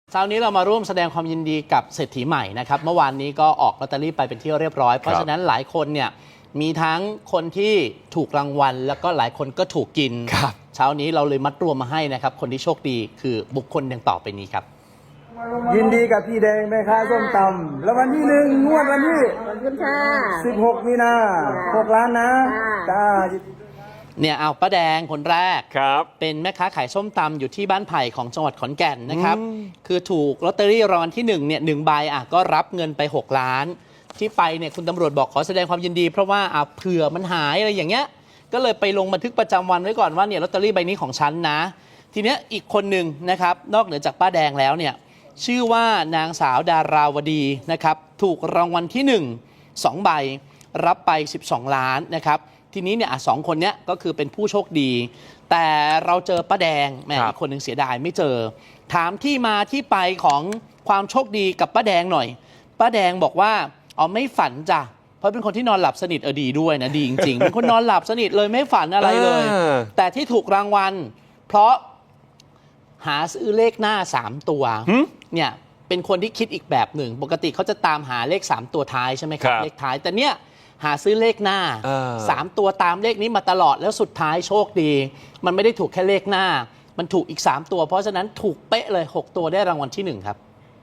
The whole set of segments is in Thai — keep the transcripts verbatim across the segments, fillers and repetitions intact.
เช้านี้เรามาร่วมแสดงความยินดีกับเศรษฐีใหม่นะครับเมื่อวานนี้ก็ออกลอตเตอรี่ไปเป็นที่เรียบร้อยเพราะฉะนั้นหลายคนเนี่ยมีทั้งคนที่ถูกรางวัลแล้วก็หลายคนก็ถูกกินเช้านี้เราเลยมัดรวมมาให้นะครับคนที่โชคดีคือบุคคลดังต่อไปนี้ครับยินดีกับพี่แดงแม่ค้าส้มตำแล้ววันที่หนึ่งงวดวันที่ขอบคุณค่ะสิบหกมีนาหกล้านนะจ้าเนี่ยเอาป้าแดงคนแรกครับเป็นแม่ค้าขายส้มตำอยู่ที่บ้านไผ่ของจังหวัดขอนแก่นนะครับคือถูกลอตเตอรี่รางวัลที่หนึ่งเนี่ยหนึ่งใบอ่ะก็รับเงินไปหกล้านที่ไปเนี่ยคุณตำรวจบอกขอแสดงความยินดีเพราะว่าอ่ะเผื่อมันหายอะไรอย่างเงี้ยก็เลยไปลงบันทึกประจำวันไว้ก่อนว่าเนี่ยลอตเตอรี่ใบนี้ของฉันนะทีเนี้ยอีกคนหนึ่งนะครับนอกเหนือจากป้าแดงแล้วเนี่ยชื่อว่านางสาวดาราวดีนะครับถูกรางวัลที่หนึ่ง สองใบรับไปสิบสองล้านนะครับทีนี้เนี่ยสองคนเนี้ยก็คือเป็นผู้โชคดีแต่เราเจอป้าแดงแม่อีกคนหนึ่งเสียดายไม่เจอถามที่มาที่ไปของความโชคดีกับป้าแดงหน่อยป้าแดงบอกว่าอ๋อไม่ฝันจ้ะเพราะเป็นคนที่นอนหลับสนิทเออดีด้วยนะดีจริงๆเป็นคนนอนหลับสนิทเลยไม่ฝันอะไรเลยแต่ที่ถูกรางวัลเพราะหาซื้อเลขหน้าสามตัวเนี่ยเป็นคนที่คิดอีกแบบหนึ่งปกติเขาจะตามหาเลขสามตัวท้ายใช่ไหมครับเลขท้ายแต่เนี่ยหาซื้อเลขหน้าสามตัวตามเลขนี้มาตลอดแล้วสุดท้ายโชคดีมันไม่ได้ถูกแค่เลขหน้ามันถูกอีกสามตัวเพราะฉะนั้นถูกเป๊ะเลยหกตัวได้รางวัลที่หนึ่งครับ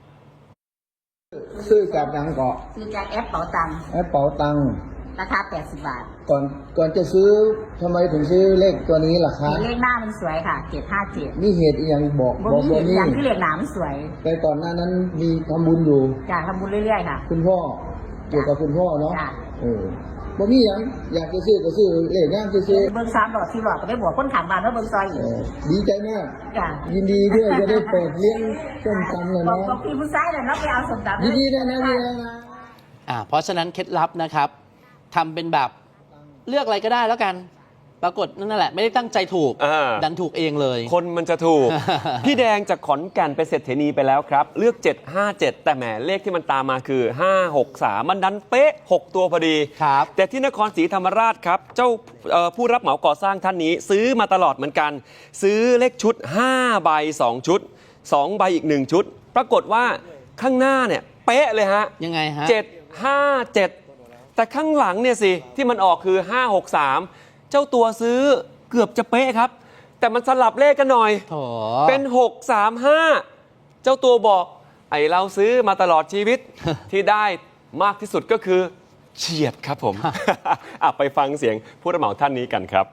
ซื้อจากยังเกาะซื้อจากแอปเป๋าตังค์แอปเป๋าตังค์ราคาแปดสิบบาทก่อนก่อนจะซื้อทำไมถึงซื้อเลขตัวนี้ล่ะคะเลขหน้ามันสวยค่ะเจ็ดห้าเจ็ดนี่เหตุอย่างบอกบอกว่านี่อย่างที่เลขหนามันสวยแต่ก่อนหน้านั้นมีทำบุญอยู่อยากทำบุญเรื่อยๆค่ะคุณพ่อเกี่ยวกับคุณพ่อเนาะเออบ่มีอย่างอยากจะซื้อก็ซื้อเลขงามซื้อเบิ้งสามหลอดสี่หลอดก็ได้บวกคนขังบ้านแล้วเบิ้งซอยอีกดีใจมากยินดีด้วยจะได้เปิดเลี้ยงส้มตำเลยนะบอกพี่ผู้ชายเลยเนาะไปเอาส้มตำยินดีด้วยนะพี่นะอ่าเพราะฉะนั้นเคล็ดลับนะครับทำเป็นแบบเลือกอะไรก็ได้แล้วกันปรากฏนั่นแหละไม่ได้ตั้งใจถูกดันถูกเองเลยคนมันจะถูก พี่แดงจากขอนแก่นไปเศรษฐีนีไปแล้วครับเลือกเจ็ดห้าเจ็ดแต่แหมเลขที่มันตามมาคือห้าหกสามมันดันเป๊ะหกตัวพอดีครับแต่ที่นครศรีธรรมราชครับเจ้าผู้รับเหมาก่อสร้างท่านนี้ซื้อมาตลอดเหมือนกันซื้อเลขชุดห้าใบสองชุดสองใบอีกหนึ่งชุดปรากฏว่าข้างหน้าเนี่ยเป๊ะเลยฮะยังไงฮะเจ็ดห้าเจ็ดแต่ข้างหลังเนี่ยสิที่มันออกคือห้าหกสามเจ้าตัวซื้อเกือบจะเป๊ะครับแต่มันสลับเลขกันหน่อยเป็นหกสามห้าเจ้าตัวบอกไอเราซื้อมาตลอดชีวิต ที่ได้มากที่สุดก็คือเฉียดครับผม ไปฟังเสียงผู้รับเหมาท่านนี้กันครับ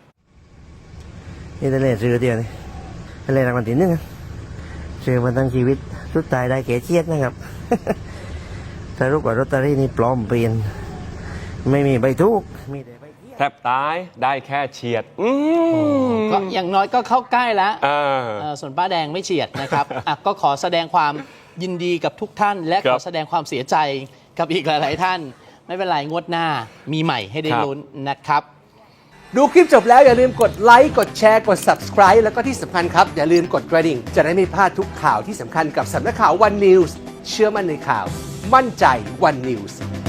นี่ทะเลซื้อเดียวนี่ทะเลรางวัลที่หนึ่งซื้อมาตั้งชีวิตสุดท้ายได้เก๋เฉียดนะครับ สรุปว่าลอตเตอรี่นี่ปลอมเปลี่ยนไม่มีใบทุกมีแต่ใบแทบตายได้แค่เฉียดก็อย่างน้อยก็เข้าใกล้แล้วส่วนป้าแดงไม่เฉียดนะครับก็ขอแสดงความยินดีกับทุกท่านและขอแสดงความเสียใจกับอีกหลายๆท่านไม่เป็นไรงวดหน้ามีใหม่ให้ได้ลุ้นนะครับดูคลิปจบแล้วอย่าลืมกดไลค์กดแชร์กด ซับสไครบ์ แล้วก็ที่สำคัญครับอย่าลืมกดกระดิ่งจะได้ไม่พลาดทุกข่าวที่สำคัญกับสำนักข่าว วัน นิวส์ เชื่อมั่นในข่าวมั่นใจ วัน นิวส์